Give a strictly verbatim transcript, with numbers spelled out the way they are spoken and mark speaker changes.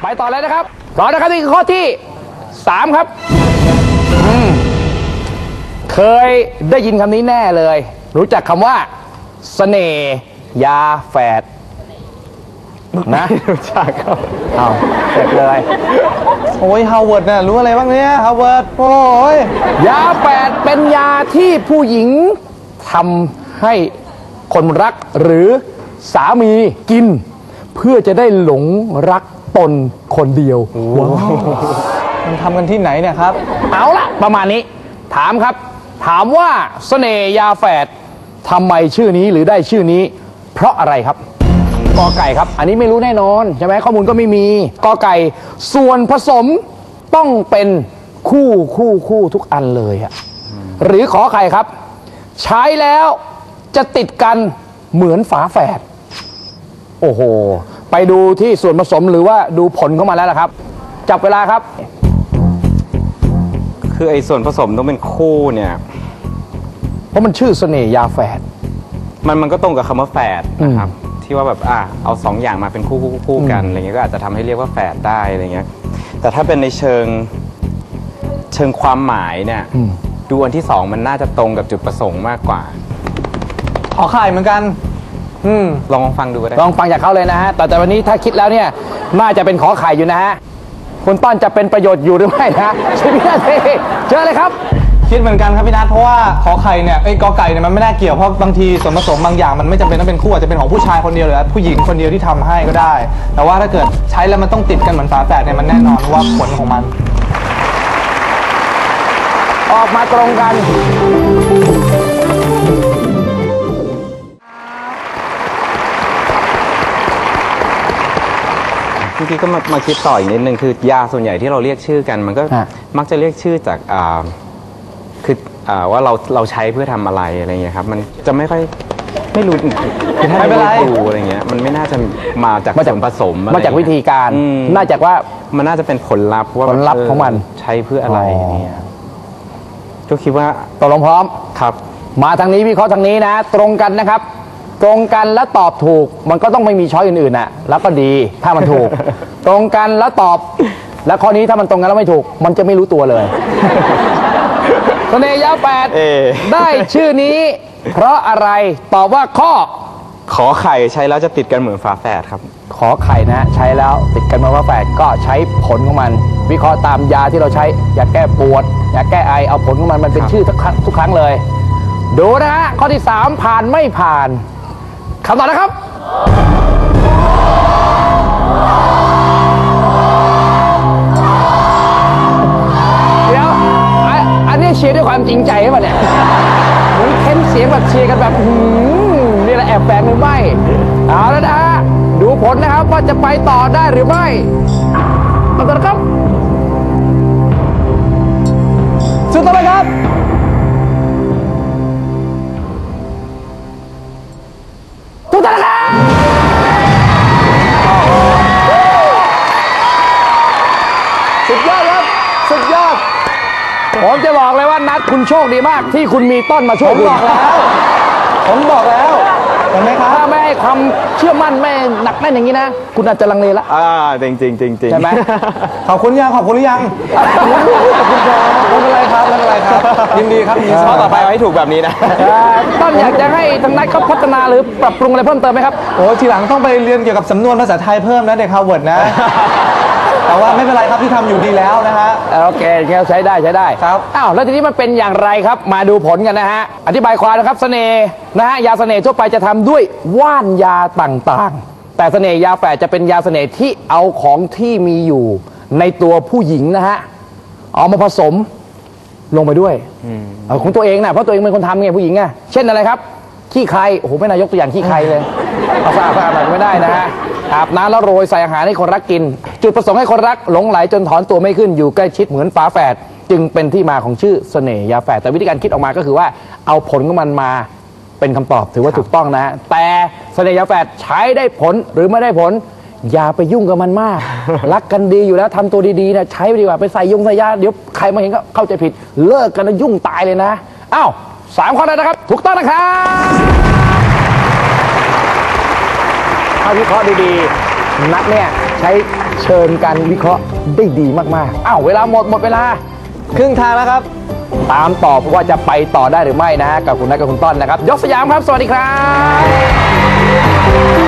Speaker 1: ไปต่อเลยนะครับต่อนะครับนี่คือข้อที่สามครับเคยได้ยินคำนี้แน่เลยรู้จักคำว่าเสน่ห์ยาแฝดนะรู้จักครับเอาเสร็จเลย
Speaker 2: โอ้ยฮาวเวิร์ดน่ะรู้อะไรบ้างเนี่ยฮาวเวิร์ดโอ้ย
Speaker 1: ยาแฝดเป็นยาที่ผู้หญิงทำให้คนรักหรือสามีกินเพื่อจะได้หลงรักตนคนเดียวว้าว
Speaker 2: มันทำกันที่ไหนเนี่ยครับ
Speaker 1: เอาละประมาณนี้ถามครับถามว่าเสน่ห์ยาแฝดทำไมชื่อนี้หรือได้ชื่อนี้เพราะอะไรครับกอไก่ครับอันนี้ไม่รู้แน่นอนใช่ไหมข้อมูลก็ไม่มีกอไก่ส่วนผสมต้องเป็นคู่คู่คู่ทุกอันเลยอะหรือขอไข่ครับใช้แล้วจะติดกันเหมือนฝาแฝดโอ้โหไปดูที่ส่วนผสมหรือว่าดูผลเข้ามาแล้วล่ะครับจับเวลาครับ
Speaker 3: คือไอ้ส่วนผสมต้องเป็นคู่เนี่ย
Speaker 1: เพราะมันชื่อเสน่ห์ยาแฝด
Speaker 3: มันมันก็ตรงกับคำว่าแฝดนะครับที่ว่าแบบอ่ะเอาสองอย่างมาเป็นคู่คู่คู่กันอะไรเงี้ยก็อาจจะทำให้เรียกว่าแฝดได้อะไรเงี้ยแต่ถ้าเป็นในเชิงเชิงความหมายเนี่ยดูอันที่สองมันน่าจะตรงกับจุดประสงค์มากกว่า
Speaker 2: ขอไข่เหมือนกัน
Speaker 3: อืมลองฟังดูก็ได้
Speaker 1: ลองฟังจากเขาเลยนะฮะแต่แต่วันนี้ถ้าคิดแล้วเนี่ยน่าจะเป็นขอไข่อยู่นะฮะคุณต้นจะเป็นประโยชน์อยู่หรือไม่นะใช่ไหมพี่เชิญเลยครับ
Speaker 2: คิดเหมือนกันครับพี่นัทเพราะว่าขอไข่เนี่ยไอ้กอไก่เนี่ยมันไม่น่าเกี่ยวเพราะบางทีส่วนผสมบางอย่างมันไม่จำเป็นต้องเป็นคู่อาจจะเป็นของผู้ชายคนเดียวหรือผู้หญิงคนเดียวที่ทำให้ก็ได้แต่ว่าถ้าเกิดใช้แล้วมันต้องติดกันเหมือนฝาแฝดเนี่ยมันแน่นอนว่าผลของมัน
Speaker 1: ออกมาตรงกัน
Speaker 3: จริงๆก็มามาคิดต่ออีกนิดนึงคือยาส่วนใหญ่ที่เราเรียกชื่อกันมันก็มักจะเรียกชื่อจากอ่าคืออ่าว่าเราเราใช้เพื่อทำอะไรอะไรเงี้ยครับมันจะไม่ค่อยไม่รู้คือถ้าไม่รู้อะไรเงี้ยมันไม่น่าจะมาจากส่วนผสม
Speaker 1: มาจากวิธีการน่าจะว่า
Speaker 3: มันน่าจะเป็นผลลัพธ์ว่า
Speaker 1: ผลลัพธ์ของมัน
Speaker 3: ใช้เพื่ออะไรเนี่ยก็คิดว่า
Speaker 1: ตกลงพร้อม
Speaker 3: ครับ
Speaker 1: มาทางนี้วิเคราะห์ทางนี้นะตรงกันนะครับตรงกันแล้วตอบถูกมันก็ต้องไม่มีช้อยอื่นๆน่ะแล้วก็ดีถ้ามันถูก ตรงกันแล้วตอบแล้วข้อนี้ถ้ามันตรงกันแล้วไม่ถูกมันจะไม่รู้ตัวเลยเสน่ห์ยาแฝดได้ชื่อนี้เพราะอะไรตอบว่าข้อ
Speaker 3: ขอไข่ใช้แล้วจะติดกันเหมือนฝาแฝดครับ
Speaker 1: ขอไข่นะใช้แล้วติดกันเหมือนฝาแฝดก็ใช้ผลของมันวิเคราะห์ตามยาที่เราใช้ยาแก้ปวดยาแก้ไอเอาผลของมันมันเป็นชื่อทุกครั้งทุกครั้งเลยดูนะฮะข้อที่สามผ่านไม่ผ่านคำตอบนะครับเดี๋ยวอันนี้เชียร์ด้วยความจริงใจใช่ป่ะเนี่ยเหมือนเค้นเสียงแบบเชียร์กันแบบนี่แหละแอบแฝงหรือไม่เอาแล้วนะฮะดูผลนะครับว่าจะไปต่อได้หรือไม่คำตอบนะครับสุดท้ายครับทุกท่านครับสุดยอดครับสุดยอดผมจะบอกเลยว่านัดคุณโชคดีมากที่คุณมีต้นมาช่วยคุณ
Speaker 2: บอกแล้วผมบอกแล้วเห็นไหมครับ
Speaker 1: ถ้าไม่ให้ความเชื่อมั่นไม่หนักแน่นอย่างนี้นะคุณอาจจะลังเลละ
Speaker 3: อ่าจริงจริงจริงจริง
Speaker 1: ใช่ไหม
Speaker 2: ขอบคุณยังขอบคุณหรือยังขอบคุณครับไม่เป็นไรครับไม่เป็นไรครับยินดีครับยินดี
Speaker 3: ข้อต่อไปให้ถูกแบบนี้นะ
Speaker 1: ต้นอยากจะให้ทางนัดเขาพัฒนาหรือปรับปรุงอะไรเพิ่มเติมไหมครับ
Speaker 2: โอ้ทีหลังต้องไปเรียนเกี่ยวกับสำนวนภาษาไทยเพิ่มนะเด็กฮาร์วาร์ดนะแต่ว่าไม่เป็นไรครับที่ทำอยู่ดีแล้วนะฮะ
Speaker 1: โอเคใช้ได้ใช้ได้
Speaker 2: ครับ
Speaker 1: อ้าวแล้วทีนี้มันเป็นอย่างไรครับมาดูผลกันนะฮะอธิบายความนะครับเสน่ห์นะฮะยาเสน่ห์ทั่วไปจะทำด้วยว่านยาต่างๆแต่เสน่ห์ยาแฝดจะเป็นยาเสน่ห์ที่เอาของที่มีอยู่ในตัวผู้หญิงนะฮะเอามาผสมลงไปด้วยของตัวเองนะเพราะตัวเองเป็นคนทำไงผู้หญิงไงเช่นอะไรครับขี้ใครโอ้โหไม่น่ายกตัวอย่างขี้ใครเลยเอาสะอาดสะอาดหน่อยไม่ได้นะฮะอาบน้ำแล้วโรยใส่อาหารให้คนรักกินจุดประสงค์ให้คนรักหลงไหลจนถอนตัวไม่ขึ้นอยู่ใกล้ชิดเหมือนฝาแฝดจึงเป็นที่มาของชื่อเสน่ห์ยาแฝดแต่วิธีการคิดออกมาก็คือว่าเอาผลของมันมาเป็นคำตอบถือว่าถูกต้องนะแต่เสน่ห์ยาแฝดใช้ได้ผลหรือไม่ได้ผลอย่าไปยุ่งกับมันมากรักกันดีอยู่แล้วทำตัวดีๆนะใช้ไปดีกว่าไปใส่ยงใส่ยาเดี๋ยวใครมาเห็นก็เข้าใจผิดเลิกกันแล้วยุ่งตายเลยนะอ้าวสามข้อแล้วนะครับถูกต้องนะครับถ้าวิเคราะห์ดีๆนัดเนี่ยใช้เชิญการวิเคราะห์ได้ดีมากๆอ้าวเวลาหมดหมดเวลา
Speaker 2: ครึ่งทางแล้วครับ
Speaker 1: ตามต่อว่าจะไปต่อได้หรือไม่นะฮะกับคุณนัทกับคุณต้นนะครับ ยกสยามครับ สวัสดีครับ